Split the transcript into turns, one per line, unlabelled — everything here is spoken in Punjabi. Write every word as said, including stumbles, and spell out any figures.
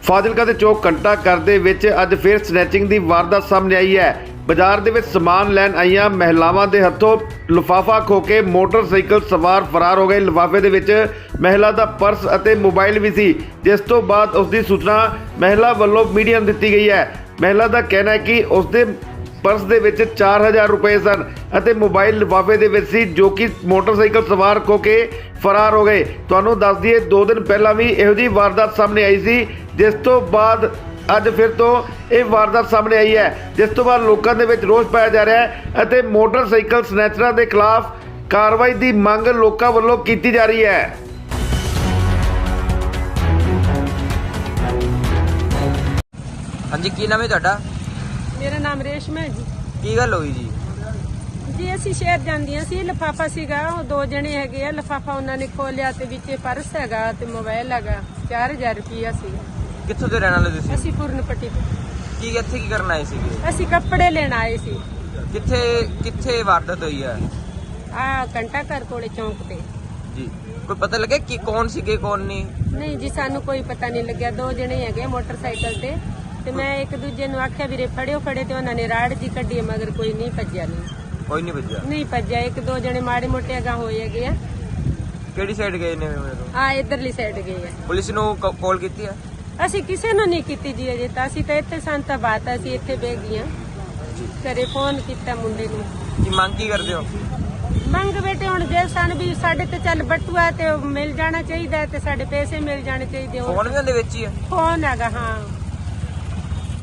ਫਾਜ਼ਿਲਕਾ ਦੇ ਚੌਕ ਘੰਟਾ ਘਰ ਦੇ ਵਿੱਚ ਅੱਜ ਫਿਰ ਸਨੈਚਿੰਗ ਦੀ ਵਾਰਦਾਤ ਸਾਹਮਣੇ ਆਈ ਹੈ। ਬਾਜ਼ਾਰ ਦੇ ਵਿੱਚ ਸਮਾਨ ਲੈਣ ਆਈਆਂ ਮਹਿਲਾਵਾਂ ਦੇ ਹੱਥੋਂ ਲਿਫਾਫਾ ਖੋ ਕੇ ਮੋਟਰਸਾਈਕਲ ਸਵਾਰ ਫਰਾਰ ਹੋ ਗਏ। ਲਿਫਾਫੇ ਦੇ ਵਿੱਚ ਮਹਿਲਾ ਦਾ ਪਰਸ ਅਤੇ ਮੋਬਾਈਲ ਵੀ ਸੀ, ਜਿਸ ਤੋਂ ਬਾਅਦ ਉਸ ਦੀ ਸੂਚਨਾ ਮਹਿਲਾ ਵੱਲੋਂ ਮੀਡੀਆ ਨੂੰ ਦਿੱਤੀ ਗਈ ਹੈ। ਮਹਿਲਾ ਦਾ ਕਹਿਣਾ ਹੈ ਕਿ ਉਸ ਦੇ ਪਰਸ ਦੇ ਵਿੱਚ ਚਾਰ ਹਜ਼ਾਰ ਰੁਪਏ ਸਨ ਅਤੇ ਮੋਬਾਈਲ ਲਿਫਾਫੇ ਦੇ ਵਿੱਚ ਸੀ, ਜੋ ਕਿ ਮੋਟਰਸਾਈਕਲ ਸਵਾਰ ਖੋ ਕੇ ਫਰਾਰ ਹੋ ਗਏ। ਤੁਹਾਨੂੰ ਦੱਸ ਦਈਏ, ਦੋ ਦਿਨ ਪਹਿਲਾਂ ਵੀ ਇਹੋ ਜਿਹੀ ਵਾਰਦਾਤ ਸਾਹਮਣੇ ਆਈ ਸੀ, ਜਿਸ ਤੋਂ ਬਾਅਦ ਅੱਜ ਫਿਰ ਤੋਂ ਇਹ ਵਾਰਦਾਤ ਸਾਹਮਣੇ ਆਈ ਹੈ, ਜਿਸ ਤੋਂ ਬਾਅਦ ਲੋਕਾਂ ਦੇ ਵਿੱਚ ਰੋਸ ਪਾਇਆ ਜਾ ਰਿਹਾ ਹੈ ਅਤੇ ਮੋਟਰਸਾਈਕਲ ਸਨੈਚਰਾਂ ਦੇ ਖਿਲਾਫ ਕਾਰਵਾਈ ਦੀ ਮੰਗ ਲੋਕਾਂ ਵੱਲੋਂ ਕੀਤੀ ਜਾ ਰਹੀ ਹੈ।
ਹਾਂਜੀ, ਕੀ ਨਾਮ ਹੈ ਤੁਹਾਡਾ?
ਮੇਰਾ ਨਾਮ ਰੇਸ਼ਮਾ ਹੈ ਜੀ।
ਕੀ ਗੱਲ ਹੋਈ ਜੀ?
ਜੀ ਅਸੀਂ ਸ਼ਹਿਰ ਜਾਂਦੀਆਂ ਸੀ, ਲਿਫਾਫਾ ਸੀਗਾ, ਉਹ ਦੋ ਜਣੇ ਹੈਗੇ ਆ, ਲਿਫਾਫਾ ਉਹਨਾਂ ਨੇ ਖੋਲਿਆ ਤੇ ਵਿੱਚ ਪਰਸ ਹੈਗਾ ਤੇ ਮੋਬਾਈਲ ਹੈਗਾ, ਚਾਰ ਹਜ਼ਾਰ ਰੁਪਇਆ ਸੀਗਾ।
ਕਿੱਥੋਂ ਦੇ ਰਹਿਣ ਵਾਲੇ ਤੁਸੀਂ?
ਅਸੀਂ ਪੂਰਨਪੱਟੀ ਤੋਂ।
ਕੀ ਇੱਥੇ ਕੀ ਕਰਨ ਆਏ ਸੀਗੇ?
ਅਸੀਂ ਕੱਪੜੇ ਲੈਣ ਆਏ ਸੀ।
ਕਿੱਥੇ ਕਿੱਥੇ ਵਾਰਦਾਤ ਹੋਈ ਹੈ?
ਆ ਘੰਟਾ ਘਰ ਕੋਲੇ ਚੌਂਕ ਤੇ।
ਜੀ, ਕੋਈ ਪਤਾ ਲੱਗਿਆ ਕਿ ਕੌਣ ਸੀਗੇ ਕੌਣ ਨਹੀਂ?
ਨਹੀਂ ਜੀ, ਸਾਨੂੰ ਕੋਈ ਪਤਾ ਨਹੀਂ ਲੱਗਿਆ। ਦੋ ਜਣੇ ਹੈਗੇ ਮੋਟਰਸਾਈਕਲ ਤੇ ਤੇ ਮੈਂ ਇੱਕ ਦੂਜੇ ਨੂੰ ਆਖਿਆ ਵੀਰੇ ਫੜਿਓ ਫੜੇ, ਤੇ ਉਹਨਾਂ ਨੇ ਰਾੜ ਜੀ ਕੱਢੀ, ਮਗਰ ਕੋਈ ਨਹੀਂ ਭੱਜਿਆ। ਨਹੀਂ
ਕੋਈ ਨਹੀਂ ਭੱਜਿਆ?
ਨਹੀਂ ਭੱਜਿਆ। ਇੱਕ ਦੋ ਜਣੇ ਮਾੜੇ ਮੋਟੇ ਅਗਾਂਹ ਹੋਏ ਹੈਗੇ ਆ।
ਕਿਹੜੀ ਸਾਈਡ ਗਏ ਨੇ ਮੈਨੂੰ?
ਆ ਇਧਰਲੀ ਸਾਈਡ ਗਏ ਆ।
ਪੁਲਿਸ ਨੂੰ ਕਾਲ ਕੀਤੀ ਹੈ?
ਅਸੀਂ ਕਿਸੇ ਨੂੰ ਨਹੀਂ ਕੀਤੀ ਜੀ ਅਜੇ ਤਾਂ। ਅਸੀਂ ਤਾਂ ਇੱਥੇ ਸੰਤਾ ਬਾਤ ਅਸੀਂ ਇੱਥੇ ਬਹਿ ਗਈਆਂ। ਘਰੇ ਫੋਨ ਕੀਤਾ ਮੁੰਡੇ ਨੂੰ।
ਕੀ ਮੰਗ ਕੀ ਕਰਦੇ ਹੋ?
ਮੰਗ ਬੇਟੇ ਹੁਣ ਜੇ ਸਾਨੂੰ ਵੀ ਸਾਡੇ ਤੇ ਚੱਲ ਬਟੂਆ ਤੇ ਮਿਲ ਜਾਣਾ ਚਾਹੀਦਾ ਤੇ ਸਾਡੇ ਪੈਸੇ ਮਿਲ ਜਾਣੇ ਚਾਹੀਦੇ।
ਫੋਨ ਵੀ ਉਹਦੇ ਵਿੱਚ ਹੀ ਹੈ?
ਫੋਨ ਹੈਗਾ, ਹਾਂ।